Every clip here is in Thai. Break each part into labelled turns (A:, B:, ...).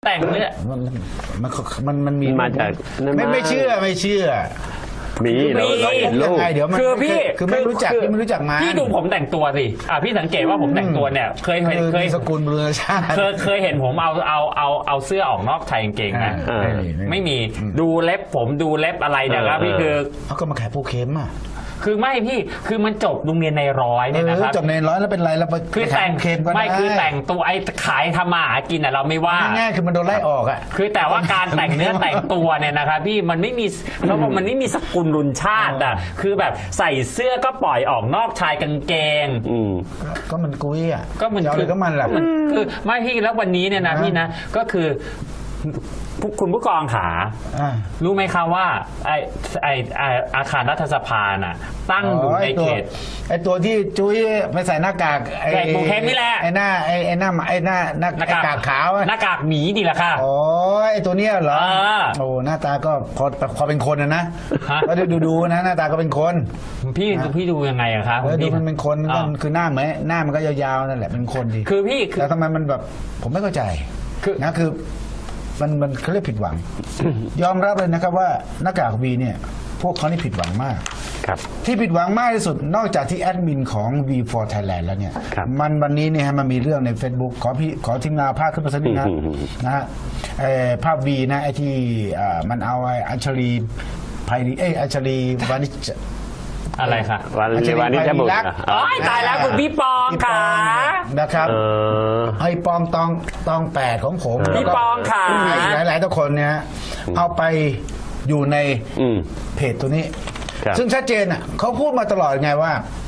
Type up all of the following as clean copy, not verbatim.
A: แต่งเนี่ย
B: มันมี
C: มาจาก
B: ไม่เชื่อ
C: มีเราเห็นรูป
B: เดี๋ยวมัน
A: คือพี่
B: คือไม่รู้จักพี่ไม่รู้จักมา
A: พี่ดูผมแต่งตัวสิพี่สังเกตว่าผมแต่งตัวเนี่ยเคย
B: สกุลเรือชาติ
A: เคยเห็นผมเอาเสื้อออกนอกชายกางเกงนะไม่มีดูเล็บผมดูเล็บอะไรเนี่ยครับพี่คือ
B: เขาก็มาขายโปรเค็มอ่ะ
A: คือไม่พี่คือมันจบโรงเรียนในร้อยเนี่ยนะครับ
B: จบในร้อยแล้วเป็นไรแล้ว
A: คือแต่งไม่คือแต่งตัวขายทำมาหากินเราไม่ว่า
B: ง่ายๆคือมันโดนไล่ออกอ่ะ
A: คือแต่ว่าการแต่งเนื้อแต่งตัวเนี่ยนะครับพี่มันไม่มีเพราะว่ามันไม่มีสกุลรุนชาติคือแบบใส่เสื้อก็ปล่อยออกนอกชายกางเกง
B: ก็มันกุ้ยอ่ะ
A: ก็มัน
B: คือก็มันแหละ
A: คือไม่พี่แล้ววันนี้เนี่ยนะพี่นะก็คือคุณผู้กองขารู้ไหมคะว่าไออาคารรัฐสภาน่ะตั้งอยู่ในเขต
B: ไอตัวที่จุ้ยไปใส่หน้ากาก
A: ไอ้โปรเค็มนี่แหละ
B: ไอหน้าหน้ากากขาว
A: หน้ากากหมีดีละค่ะ
B: โอ้ไอตัวเนี้ยเหรอโอ้หน้าตาก็พอเป็นคนนะก็ดูนะหน้าตาก็เป็นคน
A: พี่ดูยังไงอะครับ
B: ดูมันเป็นคนคือหน้าเหมือนหน้ามันก็ยาวๆนั่นแหละเป็นคนดี
A: คือพี่
B: แต่ทำไมมันแบบผมไม่เข้าใจนะคือมันเขาเรียกผิดหวังยอมรับเลยนะครับว่าหน้ากากวีเนี่ยพวกเขานี่ผิดหวังมากที่ผิดหวังมากที่สุดนอกจากที่แอดมินของ V4 Thailand แล้วเนี่ยวันนี้เนี่ยมันมีเรื่องใน Facebook ขอทีมงานภาพขึ้นมาสักนิดนะฮะภาพ V นะไอที่มันเอาอัญชลีไพรีอัญชลีวานิช
A: อะไรคะ
C: วันนี้จะบุก
A: ตายแล้วคุณพี่ปองค่ะ
B: นะครับไอ้ปองตอง8ของผม
A: พี่ปองค่ะ
B: หลายๆทุกคนเนี่ยเอาไปอยู่ในเพจตัวนี้ซึ่งชัดเจนอ่ะเขาพูดมาตลอดไงว่า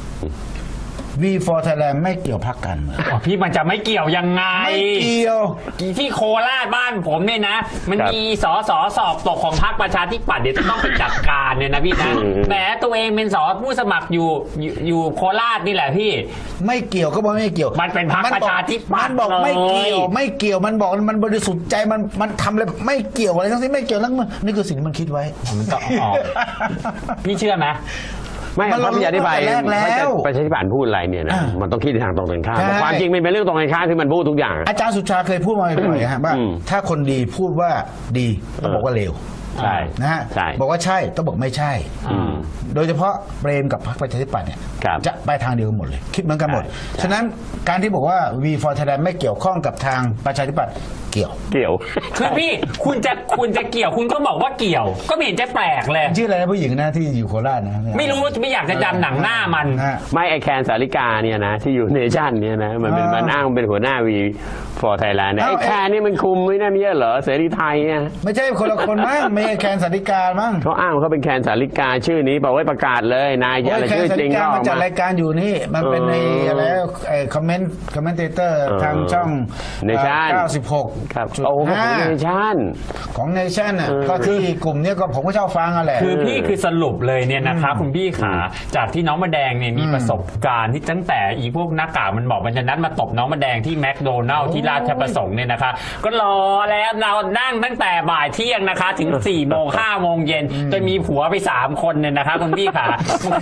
B: V4 Thailand ไม่เกี่ยวพรรคการเมือง
A: พี่มันจะไม่เกี่ยวยังไง
B: ไม่เกี่ยว
A: ที่โคราชบ้านผมเนี่ยนะมันมีสอบตกของพรรคประชาธิปัตย์เดี๋ยวจะต้องไปจัดการเนี่ยนะพี่นะแหมตัวเองเป็นผู้สมัครอยู่โคราชนี่แหละพี่
B: ไม่เกี่ยวก็บอกไม่เกี่ยว
A: มันเป็นพรรคประชาธิปัตย์
B: มันบอกไม่เกี่ยวมันบอกมันบริสุทธิ์ใจมันทำอะไรไม่เกี่ยวอะไรทั้งสิ้นไม่เกี่ยวแล้วนี่คือสิ่งที่มันคิดไว้
A: มันก็ออกพี่เชื่อไหม
C: ไม่พระพิยาธิบายประชาธิปัตย์พูดอะไรเนี่ยนะมันต้องคิดในทางตรงกันข้ามความจริงมันเป็นเรื่องตรงกันข้ามที่มันพูดทุกอย่าง
B: อาจารย์สุชาเคยพูดมาบ่อยๆฮะว่าถ้าคนดีพูดว่าดีต้องบอกว่าเลว
C: ใช่
B: นะฮะบอกว่าใช่ต้องบอกไม่ใช่โดยเฉพาะเปรมกับพรรคประชาธิปัตย์เนี่ยจะไปทางเดียวกันหมดเลยคิดเหมือนกันหมดฉะนั้นการที่บอกว่า V4 Thailand ไม่เกี่ยวข้องกับทางประชาธิปัตย์เกี่ยว
A: คือพี่คุณจะเกี่ยวคุณก็บอกว่าเกี่ยวก็ไม่เห็นจะแปลกเลย
B: ชื่ออะไรนะผู้หญิงนะที่อยู่โคราชนะ
A: ไม่รู้ไม่อยากจะจำหนังหน้ามัน
C: ไม่ไอแคนสาริกาเนี่ยนะที่อยู่เนชั่นเนี่ยนะมันอ้างเป็นหัวหน้า V4 Thailand ไอแคนนี่มันคุมไม่น่ามีเหรอเสรีไทยเนี่ย
B: ไม่ใช่คนละคนมั้งไม่ใช่แคนสาริกามั้ง
C: เขาอ้างเขาเป็นแคนสาริกาชื่อนี้บอกไว้ประกาศเลยนายอะไรชื่อจริงก็
B: มาจัดรายการอยู่นี่มันเป็นในอะไรคอมเมนเตอร์ทางช่อง
C: เนชั่น
B: 96
C: ครับโอ้ของเนชั่น
B: อ่ะก็ที่กลุ่มนี้ก็ผมก็ชอบฟังอะไร
A: คือพี่คือสรุปเลยเนี่ยนะคะคุณพี่ขาจากที่น้องมะแดงเนี่ยมีประสบการณ์ที่ตั้งแต่อีพวกหน้ากากมันบอกมันจะนัดมาตบน้องมะแดงที่แมคโดนัลล์ที่ราชประสงค์เนี่ยนะคะก็รอแล้วเรานั่งตั้งแต่บ่ายเที่ยงนะคะถึง4 โมง 5 โมงเย็นจนมีผัวไป3 คนเนี่ยนะคะคุณพี่ขา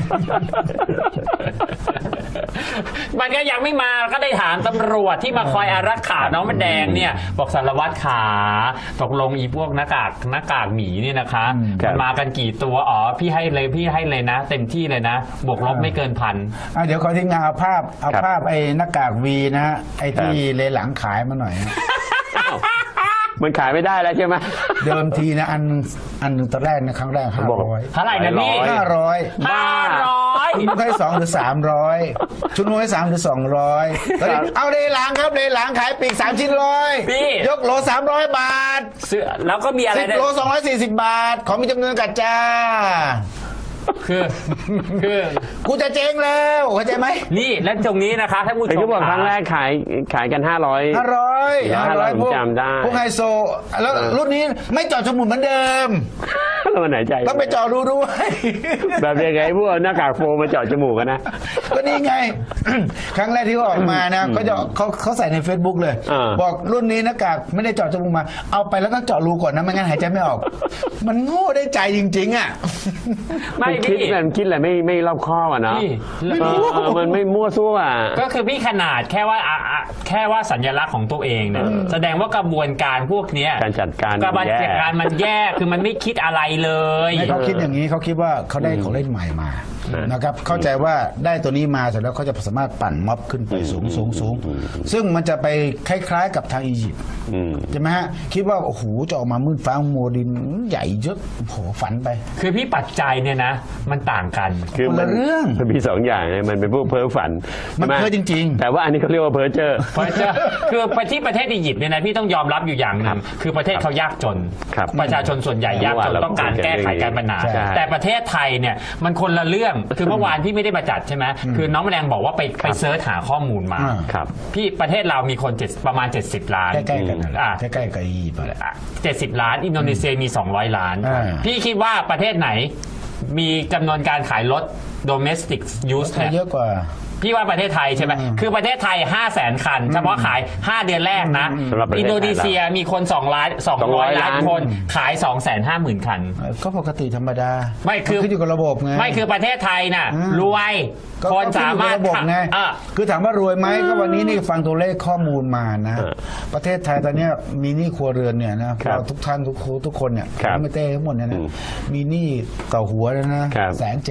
A: มันก็ยังไม่มาก็ได้ถามตำรวจที่มาคอยอารักขาน้องมะแดงเนี่ยบอกสารวัตรขาตกลงอีพวกหน้ากากหมีเนี่ยนะคะมันมากันกี่ตัวพี่ให้เลยนะเต็มที่เลยนะบวกลบไม่เกิน1,000
B: เดี๋ยวขอทีมงานเอาภาพไอ้หน้ากากวีนะไอ้ที่เลหลังขายมาหน่อย
C: มันขายไม่ได้แล้วใช่ไหม
B: เดิมทีนะอันนึงตอนแรกนะครั้งแรก500
A: เท่าไหร่นะพี่
B: 500ชุดให้2 หรือ 300ชุดให้3 หรือ 200เอาเลหลังครับเลหลังขายปีก3 ชิ้น100ยกโล300 บาท
A: แล้วก็มีอะไร
B: 10 โล240 บาทของมีจำนวนกัดจ้าคือกูจะเจ๊งแล้วเข้าใจไหม
A: นี่และตรงนี้นะคะถ้าผู้ชม
C: ครั้งแรกขายกัน500ผมจำได้
B: พวกไฮโซแล้วรุ่นนี้ไม่เจาะจมูกเหมือนเดิม
C: แล้วมันไหนใจ
B: ต้องไปเจาะรูด้วย
C: แบบยังไงพวกหน้ากากโฟมมาเจาะจมูกกันนะ
B: ก็นี่ไงครั้งแรกที่เขาออกมานะเขาใส่ใน Facebook เลยบอกรุ่นนี้หน้ากากไม่ได้เจาะจมูกมาเอาไปแล้วต้องเจาะรูก่อนนะไม่งั้นหายใจไม่ออกมันโง่ได้ใจจริงๆอ่ะ
A: ไม่
C: คิด
A: พี่
C: มันคิดอะไรไม่รอบคอบอ่ะเนาะ
A: พี่
C: มันไม่มั่วซั่วอ่ะ
A: ก็คือพี่ขนาดแค่ว่าสัญลักษณ์ของตัวเองเนี่ยแสดงว่ากระบวนการพวกเนี้ย
C: การจัดการ
A: กระบวน
C: แย่
A: การมันแย่คือมันไม่คิดอะไรเลย
B: ให้เขาคิดอย่างนี้เขาคิดว่าเขาได้ของเล่นใหม่มานะครับเข้าใจว่าได้ตัวนี้มาเสร็จแล้วเขาจะสามารถปั่นม็อบขึ้นไปสูงซึ่งมันจะไปคล้ายๆกับทางอียิปต์ใช่ไหมฮะคิดว่าโอ้โหจะออกมามืดฟ้ามัวดินใหญ่เยอะโอ้โหฝันไป
A: คือพี่ปัจจัยเนี่ยนะมันต่างกัน
C: คือ
B: คนละเรื่อง
C: มันมีสองอย่างนะมันเป็นพวกเพ้อฝัน
B: มัน
C: ใช่ไห
B: เพ้อจริงๆ
C: แต่ว่าอันนี้เขาเรียกว่าเพ้อเจ้อ
A: เพราะจะคือไปที่ประเทศอียิปต์เนี่ยนะพี่ต้องยอมรับอยู่อย่างหนึ่งคือประเทศเขายากจน
C: ครับ
A: ประชาชนส่วนใหญ่ยากจนต้องการแก้ไขการปัญหา
C: ใช่
A: แต่ประเทศไทยเนี่ยมันคนละเรื่องคือเมื่อวานพี่ไม่ได้มาจัดใช่ไหมคือน้องแมลงบอกว่าไปเซิร์ชหาข้อมูลมา
C: ครับ
A: พี่ประเทศเรามีคนประมาณ 70 ล้าน
B: ใกล้ๆกันนั่นแหละ
A: อ่ะ
B: ใกล้ๆกับอียิปต์นั่นแหละ
A: 70 ล้านอินโดนีเซียมี 200 ล้าน
B: อ่า
A: พี่คิดว่าประเทศไหนมีจำนวนการขายรถ domestic use
B: ไทย
A: เนี่ย
B: เยอะกว่า
A: พี่ว่าประเทศไทยใช่ไหมคือประเทศไทย 500,000 คัน เฉพาะขาย 5 เดือนแรกนะ
C: สำหรับประเทศไทย
A: อินโดนีเซียมีคน200 ล้านคนขาย 250,000 คัน
B: ก็ปกติธรรมดา
A: ไม่คือ
B: นขึ้นอยู่กับระบบไง
A: ไม่คือประเทศไทยน่ะ รวย
B: ก็
A: คนสามารถ
B: ก็ขึ้นอยู่กับระบบไง
A: อ่ะ
B: คือถามว่ารวยไหมก็วันนี้นี่ฟังตัวเลขข้อมูลมานะ ประเทศไทยตอนเนี้ยมีหนี้ครัวเรือนเนี่ยนะเราทุกท่านทุกคนเนี่ย
C: ครับ
B: ไม่เต้ทั้งหมดเนี่ยนะมีหนี้ต่อหัวแล้วนะครับ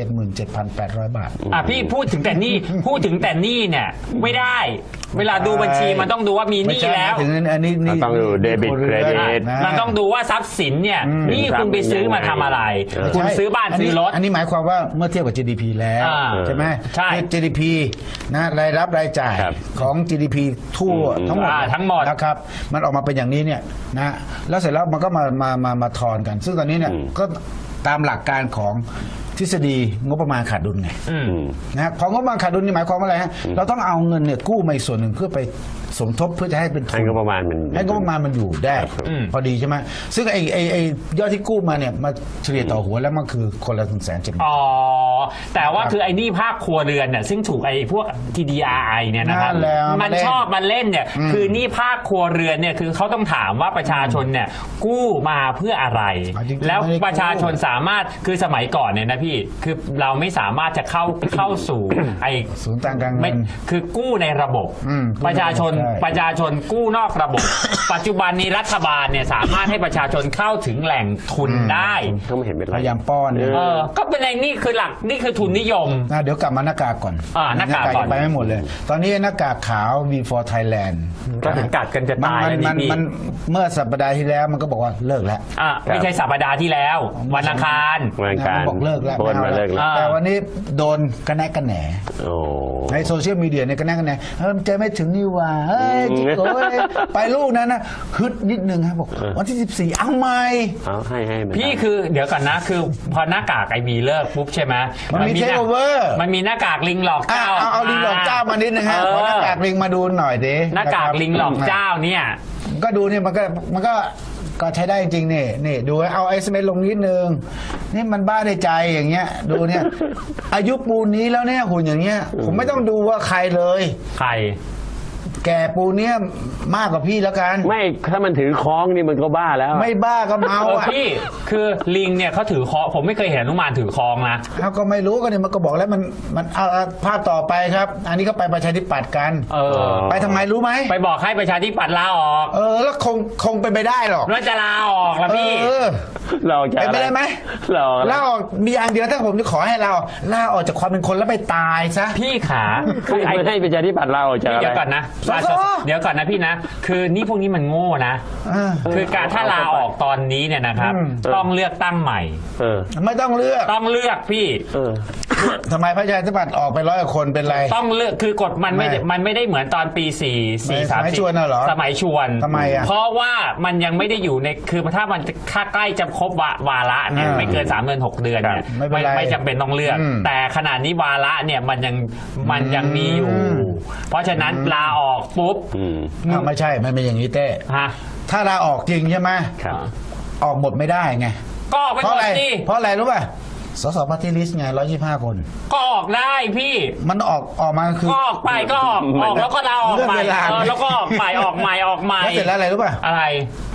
B: 177,800 บาท
A: อ่ะพี่พูดถึงแต่หนี้พูดถึงแต่หนี้เนี่ยไม่ได้ เวลาดูบัญชีมันต้องดูว่ามีหนี้แล้ว
B: ถึงอันนี้นี่
C: ต้องดู debit
B: ครัวรือน
C: credit
B: นะ
A: มันต้องดูว่าทรัพย์สินเนี่ยหนี่คุณไปซื้อมาทำอะไร คุณซื้อบ้านซื้อรถ
B: อันนี้หมายความว่าเมื่อเทียบกับ GDP แล้ว
A: อ่า
B: ใช่ไหม
A: ใช่
B: คือ GDP นะรายรับรายจ่าย
C: ครับ
B: ของ GDP ทั่วทั้งหมด
A: ทั้งหมด
B: นะครับมันออกมาเป็นอย่างนี้เนี่ยนะแล้วเสร็จแล้วมันก็มาทอนกัน ซึ่งตอนนี้เนี่ยก็ตามหลักการของทฤษฎีงบประมาณขาดดุลไง นะของงบประมาณขาดดุลนี่หมายความว่าอะไรฮะเราต้องเอาเงินเนี่ยกู้มาอีกส่วนหนึ่งเพื่อไปสมทบเพื่อจะให้เป็นทุน
C: ให้งบประมาณมัน
B: ให้งบประมาณมันอยู่ได้พอดีใช่ไหมซึ่งไอ้ยอดที่กู้มาเนี่ยมาเฉลี่ยต่อหัวแล้วมันคือคนละ170,000
A: อ๋อแต่ว่าคือไอ้หนี่ภาคครัวเรือนเนี่ยซึ่งถูกไอ้พวก TDRI เนี่ยนะครับ
B: นั่นแหละ
A: มันชอบมาเล่นเนี่ยคือหนี่ภาคครัวเรือนเนี่ยคือเขาต้องถามว่าประชาชนเนี่ยกู้มาเพื่ออะไร
B: จริงๆ
A: แล้ว
B: ไม่ได้กู้
A: ประชาชนสามารถคือสมัยก่อนเนี่ยนะพี่คือเราไม่สามารถจะเข้าสู่ไอ้
B: ศูนย์ต่างการเงิ
A: ไม่
B: น
A: คือกู้ในระบบ
B: กู้
A: ประชาชน
B: ใช่
A: ประชาชนกู้นอกระบบ ปัจจุบันนี้รัฐบาลเนี่ยสามารถให้ประชาชนเข้าถึงแหล่งทุนได้
C: ก็ไม่เห็นเป็นไร
B: พยายามป้อนเนี่ย
A: ก็เป็นไอ้นี่คือหลักนี่คือทุนนิยม
B: เดี๋ยวกลับมาหน้ากากก่อน
A: หน้ากากก่อน
B: ยังไปไม่หมดเลย ตอนนี้หน้ากากขาว V4 Thailand
A: ก็ถึงกัดกันจะตายแล้ว
B: มั
A: นี่พี่
B: มันเมื่อสัปดาห์ที่แล้วมันก็บอกว่าเลิกแล้ว
A: ไม่ใช่สัปดาห์ที่แล้ว วันอังคาร
C: วันการ
B: มันบอกเลิกแล้ว
C: โพสต์มาเลิกแล้ว
B: แต่วันนี้โดนกระแนกกระแหน
C: โอ้
B: ในโซเชียลมีเดียเนี่ยกระแนกกระแหนมันจะไม่ถึงนี่หว่าเฮ้ยจิ๊กโก้ยไปลูกนั้นนะฮึดนิดนึงครับบอกวันที่ 14 เอาไหม
C: เอาให้มัน
A: พี่คือเดี๋ยวก่อนนะคือพอหน้ากากไอวีเลิกปุ๊บใช่ไหม
B: มันมี takeover
A: มันมีหน้ากากลิงหลอกเจ้า
B: เอาลิงหลอกเจ้ามานิดนึงฮะขอหน้ากากลิงมาดูหน่อยดิ
A: หน้ากากลิงหลอกเจ้าเนี่ย
B: ก็ดูเนี่ยมันก็ใช้ได้จริงๆนี่ดูเอาไอซ์เมลลงนิดนึงนี่มันบ้าในใจอย่างเงี้ยดูเนี่ยอายุปูนนี้แล้วเนี่ยหุ่นอย่างเงี้ยผมไม่ต้องดูว่าใครเลย
A: ใคร
B: แก่ปูนเนี้ยมากกว่าพี่แล้วกัน
C: ไม่ถ้ามันถือคล้องนี่มันก็บ้าแล้ว
B: ไม่บ้าก็เมาอ่ะ
A: พี่คือลิงเนี่ยเขาถือคอผมไม่เคยเห็นอนุมานถือคองนะ
B: เขาก็ไม่รู้ก็เนี่ยมันก็บอกแล้วมันเอาภาพต่อไปครับ อันนี้ก็ไปประชาธิปัตย์กัน ไปทำไมรู้ไหม
A: ไปบอกให้ประชาธิปัตย์ลาออก
B: แล้วคงเป็นไปได้หรอก
A: แล้วจะลาออกละพี่
C: เราจะ
B: เป็นไปได้ไหม
C: เรา
B: ลาออกมีอย่างเดียวถ้าผมจะขอให้เราลาออกจากความเป็นคนแล้วไปตายซะ
A: พี่ขา
C: คือ
A: ไอ้
C: ให้ประชาธิปัตย์เราจะ
A: เดี๋ยวก่อนนะ
B: สส
A: เดี๋ยวก่อนนะพี่นะ คือนี่พวกนี้มันโง่นะ คือการถ้าลาออกตอนนี้เนี่ยนะครับต้องเลือกตั้งใหม่
B: ไม่ต้องเลือก
A: ต้องเลือกพี่
B: ทำไมพระชาธิปัตย์ออกไป100 กว่าคนเป็นไร
A: ต้องเลือกคือกฎมันไม่ได้เหมือนตอนปี4
B: สมัยชวนน่ะเหรอ
A: สมัยชวน
B: ทำไมอ่ะ
A: เพราะว่ามันยังไม่ได้อยู่ในคือถ้ามันค่าใกล้จะครบวาระเนี่ยไม่เกิน3 เดือน 6 เดือนเนี่ย
B: ไม่เป็นไร
A: ไม่จำเป็นต้องเลือก แต่ขนาดนี้วาระเนี่ยมันยังมีอยู่ เพราะฉะนั้นลาออกปุ๊บ
B: ไม่ใช่มันเป็นอย่างนี้เต้
A: ฮะ
B: ถ้าลาออกจริงใช่ไหม
C: ครับ
B: ออกหมดไม่ได้ไง
A: ก็ออกไป
B: เพราะ
A: หม
B: อะ
A: ด
B: ไร
A: สิ
B: เพราะอะไรรู้ป่ะสสปาร์ตี้ลิสต์ไง125 คน
A: ก็ออกได้พี่
B: มันออกมาคือ
A: ก็ออกไปก็ออกแล้วก็ลาออกใหม่
B: เลื่อนเวลา
A: แล้วก็ออกใหม่ออกใหม่
B: แล้วเสร็จแล้วอะไรรู้ป่ะ
A: อะไร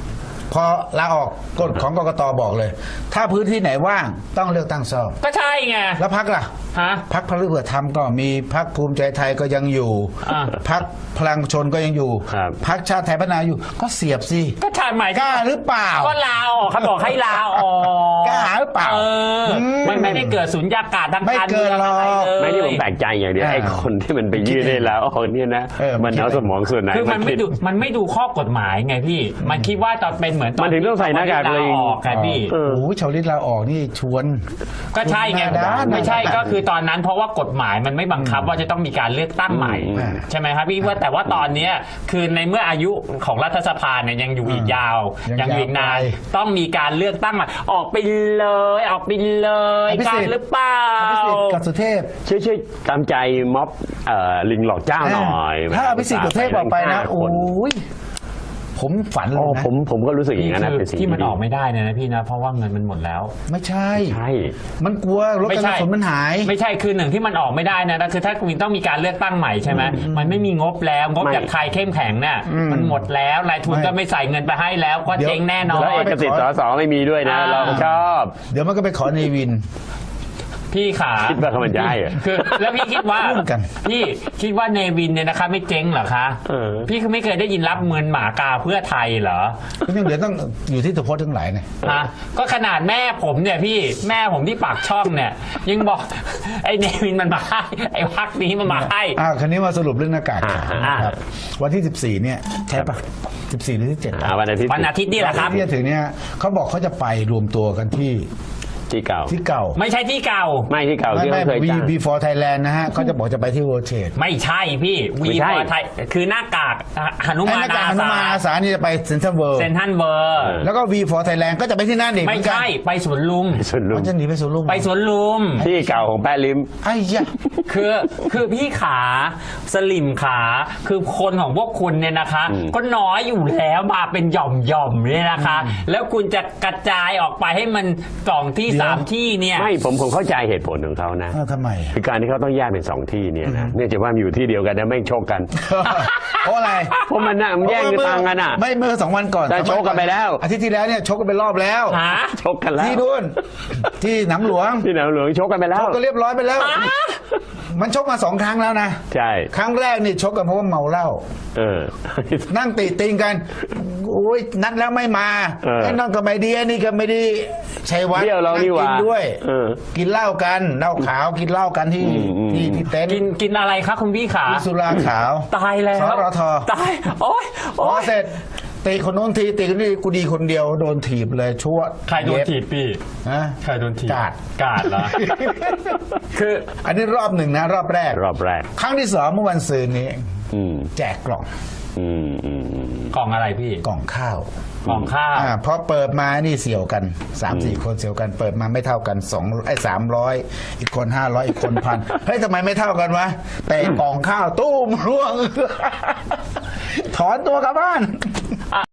B: พอลาออกกฎของกกตบอกเลย ถ้าพื้นที่ไหนว่างต้องเลือกตั้งซ่อม
A: ก็ใช่ไง
B: แล้วพักล่ะ
A: ฮะ
B: พักพลังเพื่อธรรมก็มีพักภูมิใจไทยก็ยังอยู่
A: อ่า
B: พักพลังชนก็ยังอยู่
C: ครับ
B: พักชาติไทยพัฒนาอยู่ก็เสียบสิ
A: ก็ใช่หมาย
B: กล้าหรือเปล่า
A: ก็ลาออกเขาบอกให้ลาออก
B: กล้าหรือเปล่า
A: เออมันไม่ได้เกิดสุญญากาศทาง
B: ไม่
A: การ
B: เกิ
A: เมือน ง
B: หร
A: อะ
B: อก
A: ไรเลย
C: ไม่ที่ผมแปลกใจอย่างเดียว
B: อ่า
C: ไอ้คนที่มันไปยื่นให้ลาออกเนี่ยนะ มันเอาสมองส่วนไหน
A: คือมัน
C: คิ
A: ไม่ดูข้อกฎหมายไงพี่ มันคิดว่าตอนเป็นเหมือนตอน
C: มันถึงต้องใส่หน้ากาก
A: ลา
C: เลย
A: ออกไงพี่
B: โอ้โหชาวลิตลาออกนี่ชวน
A: ก็ใช่ไง
B: หน้าด้าน
A: ไม่ใช่ก็คือตอนนั้นเพราะว่ากฎหมายมันไม่บังคับว่าจะต้องมีการเลือกตั้งใหม่ ใช่ไหมครับพี่ว่าแต่ว่าตอนเนี้ยคือในเมื่ออายุของรัฐสภาเนี่ยยังอยู่อีกยาว ยังอยู่อีกนานต้องมีการเลือกตั้งใหม่ออกไปเลยออกไปเลย
B: อภิ
A: กา
B: สิ
A: ร
B: ทธิ์
A: หรือเปล่า
B: อภิสิทธิ์กับสุเทพ
C: ช่วยตามใจม็อบลิงหลอกเจ้าหน่อย
B: ถ้าอภิสิทธิ์กับสุเทพออกไปนะ
C: 5
B: โอ้
C: คน
B: ยผมฝันเล
C: โอ้
B: ยนะ
C: ผมก็รู้สึกอย่างนั้นนะ
A: คือ
C: เป็นสิ่ง
A: ที่มัน
C: ดี
A: ออกไม่ได้เนยนะพี่นะเพราะว่าเงินมันหมดแล้ว
B: ไม่ใช่
C: ใช่
B: มันกลัวรถกระสุนมันหาย
A: ไม่ใช่คือหนึ่งที่มันออกไม่ได้นะคือถ้าคุณต้องมีการเลือกตั้งใหม่ใช่ไหมมันไม่มีงบแล้วงบจากใครเข้มแข็งเนี่ยมันหมดแล้วนายทุนก็ไม่ใส่เงินไปให้แล้วก็
B: เดี๋ยว
A: เจ๊งแน่นอน
C: แล้วเอกสิทธิ์ส.ส.ไม่มีด้วยนะ
A: อ่า
C: เราชอบ
B: เดี๋ยวมันก็ไปขอเนวิน
A: พี่ขา
C: คิดว่าเขามันจะให้เหรอ
A: คือแล้วพี่คิดว่า
B: ร่วมกัน
A: พี่คิดว่าเนวินเนี่ยนะคะไม่เจ๊งเหรอคะ
C: เออ
A: พี่ไม่เคยได้ยินรับเงินหมากาเพื่อไทยเหรอ
B: ก็ยังเหลือต้องอยู่ที่ตัวโพสทั้งหลายเนี่ย
A: ฮะก็ขนาดแม่ผมเนี่ยพี่แม่ผมที่ปากช่องเนี่ย ยังบอก ไอ้เนวินมันมาให้ไอ้พักนี้มันมาให้
B: คราวนี้มาสรุปเรื่องหน้ากาก
A: อ่า
B: ครับวันที่ 14 เนี่ยใช่ปะ14 หรือที่7
C: วันอาทิตย์
A: วันอาทิตย์นี่แหละครับ
B: ที่จะถึงเนี่ยเขาบอกเขาจะไปรวมตัวกันที่
C: ที่เก่า
B: ที่เก่า
A: ไม่ใช่ที่เก่า
C: ไม่ที่เก่าที่
B: ไม่
C: เขาเคยจ้าง
B: before Thailand นะฮะเขาจะบอกจะไปที่ World Trade
A: ไม่ใช่พี่
C: ไม่
A: วี
C: ใช่
A: พอไทยคือหน้ากากหนุ
B: ไอ้
A: มาน
B: หน้ากาก
A: อา
B: หนุ
A: สาม
B: านอาสานี่จะไปเซ็นทรัลเวิลด์
A: เซนทันเบอร์
B: แล้วก็ V for Thailand ก็จะไปที่นั่นเอง
A: ไม่ใช่ไปสวนลุม
C: ส่วนลุ
B: มั
C: ง
B: นจะหนีไปสวนลุม
A: ไปสวนลุม
C: ที่เก่าของแป้ลิม
B: ไอ้ยะ
A: คือพี่ขาสลิมขาคือคนของพวกคุณเนี่ยนะคะ ก็น้อยอยู่แล้วมาเป็นหย่อมๆเนี่ยนะคะ แล้วคุณจะกระจายออกไปให้มันสองที่สามที่เนี่ย
C: ไม่ผมเข้าใจเหตุผลของเขานะ
B: ทำไม
C: คือการที่เขาต้องแยกเป็นสองที่เนี่ยนะเนื่องจากว่ามันอยู่ที่เดียวกันนะไม่งโชคกัน
B: เพราะอะไร
C: เพราะมันน่ะมันแย่งกันตังกันอ่ะ
B: ไม่เมื่อ2 วันก่อน
C: แต่ชกกันไปแล้ว
B: อาทิตย์ที่แล้วเนี่ยชกกันไปรอบแล้ว
A: หา
C: ชกกันแล้ว
B: ที่นู่นที่หนำหลวง
C: ที่หนาวหลวงชกกันไปแล้
B: ช
C: ว
B: กกันเรียบร้อยไปแล้ว มันชกมา2 ครั้งแล้วนะ
C: ใช่
B: ครั้งแรกนี่ชกกันเพราะว่าเมาเหล้า
C: เออ
B: นั่งตีติงกันโอ้ยนัดแล้วไม่มา
C: เออ
B: ไอ้นั่นก็ไม่ดีไอ้นี่ก็ไม่ดีชัยวัฒน์
C: เบี้ยวเรานี่หว่า
B: กิด้วย
C: เออ
B: กินเหล้ากันเหล้าขาวกินเหล้ากันที่ ที่เต็นท์
A: กินอะไรคะคุณพี่ขา
B: มีสุราขาว
A: ตายแล้ว
B: สรท
A: ตายโอ๊ย
B: พอเสร็จตีคนโน้นทีตีคนนี้กูดีคนเดียวโดนถีบเลยชั่ว
A: ใครโดนถีบพี่
B: นะ
A: ใครโดนถีบ
B: กาด
A: กาดเหรอ คือ
B: อันนี้รอบหนึ่งนะ รอบแรก
C: รอบแรก
B: ครั้งที่2เมื่อวันซืนนี้
C: อืม
B: แจกกล่อง
C: อืมอืมอืม
A: กล่องอะไรพี่
B: กล่องข้าว
A: กล่องข้าว
B: พอเปิดมานี่เสี่ยวกัน 3-4 คนเสี่ยวกันเปิดมาไม่เท่ากัน300อีกคน500อีกคน1,000เฮ้ยทำไมไม่เท่ากันวะแต่กล่องข้าวตู้มร่วง ถอนตัวกลับบ้าน